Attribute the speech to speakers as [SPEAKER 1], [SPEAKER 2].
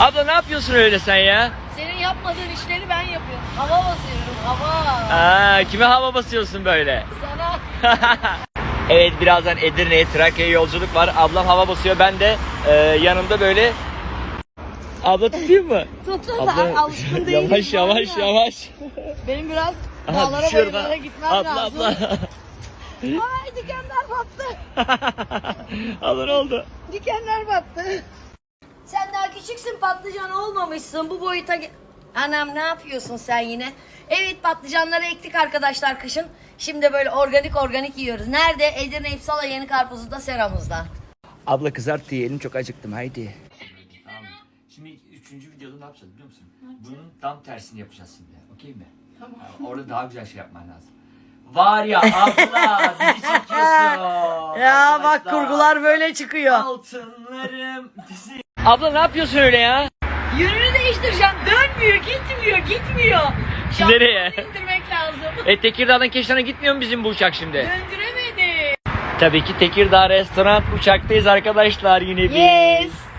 [SPEAKER 1] Abla ne yapıyorsun öyle sen ya?
[SPEAKER 2] Senin yapmadığın işleri ben yapıyorum. Hava basıyorum, hava.
[SPEAKER 1] Kime hava basıyorsun böyle?
[SPEAKER 2] Sana.
[SPEAKER 1] Evet, birazdan Edirne'ye, Trakya'ya yolculuk var. Ablam hava basıyor, ben de yanımda böyle... Abla tutayım mı?
[SPEAKER 2] Tutun da alışkın değilim.
[SPEAKER 1] Yavaş yavaş yavaş.
[SPEAKER 2] Benim biraz
[SPEAKER 1] Aha,
[SPEAKER 2] dağlara
[SPEAKER 1] düşüyorum
[SPEAKER 2] bayırlara
[SPEAKER 1] ha.
[SPEAKER 2] gitmem
[SPEAKER 1] Abla,
[SPEAKER 2] lazım.
[SPEAKER 1] abla.
[SPEAKER 2] Ay dikenler battı.
[SPEAKER 1] Abla ne oldu?
[SPEAKER 2] Dikenler battı. Sen daha küçüksün, patlıcan olmamışsın bu boyuta. Anam ne yapıyorsun sen yine? Evet, patlıcanları ektik arkadaşlar kışın. Şimdi böyle organik yiyoruz. Nerede? Edirne İpsala Yeni Karpuzlu'da seramızda.
[SPEAKER 1] Abla kızart yiyelim, çok acıktım, haydi. Şimdi 3. videoda ne yapacağız biliyor musun? Bunun tam tersini yapacağız şimdi. Okey mi? Tamam. Orada daha güzel şey yapman lazım. Var ya abla, bizi çekiyorsun.
[SPEAKER 2] Ya bak,
[SPEAKER 1] Arkadaşlar,
[SPEAKER 2] kurgular böyle çıkıyor.
[SPEAKER 1] altınlarım dizi. Abla ne yapıyorsun öyle ya?
[SPEAKER 2] Yönünü değiştireceğim. Dönmüyor, gitmiyor. Şampiyonu
[SPEAKER 1] Nereye?
[SPEAKER 2] indirmek lazım.
[SPEAKER 1] Tekirdağ'dan Keşan'a gitmiyor mu bizim bu uçak şimdi?
[SPEAKER 2] Döndüremedi.
[SPEAKER 1] Tabii ki Tekirdağ restoran uçaktayız arkadaşlar, yine bir.
[SPEAKER 2] Yes.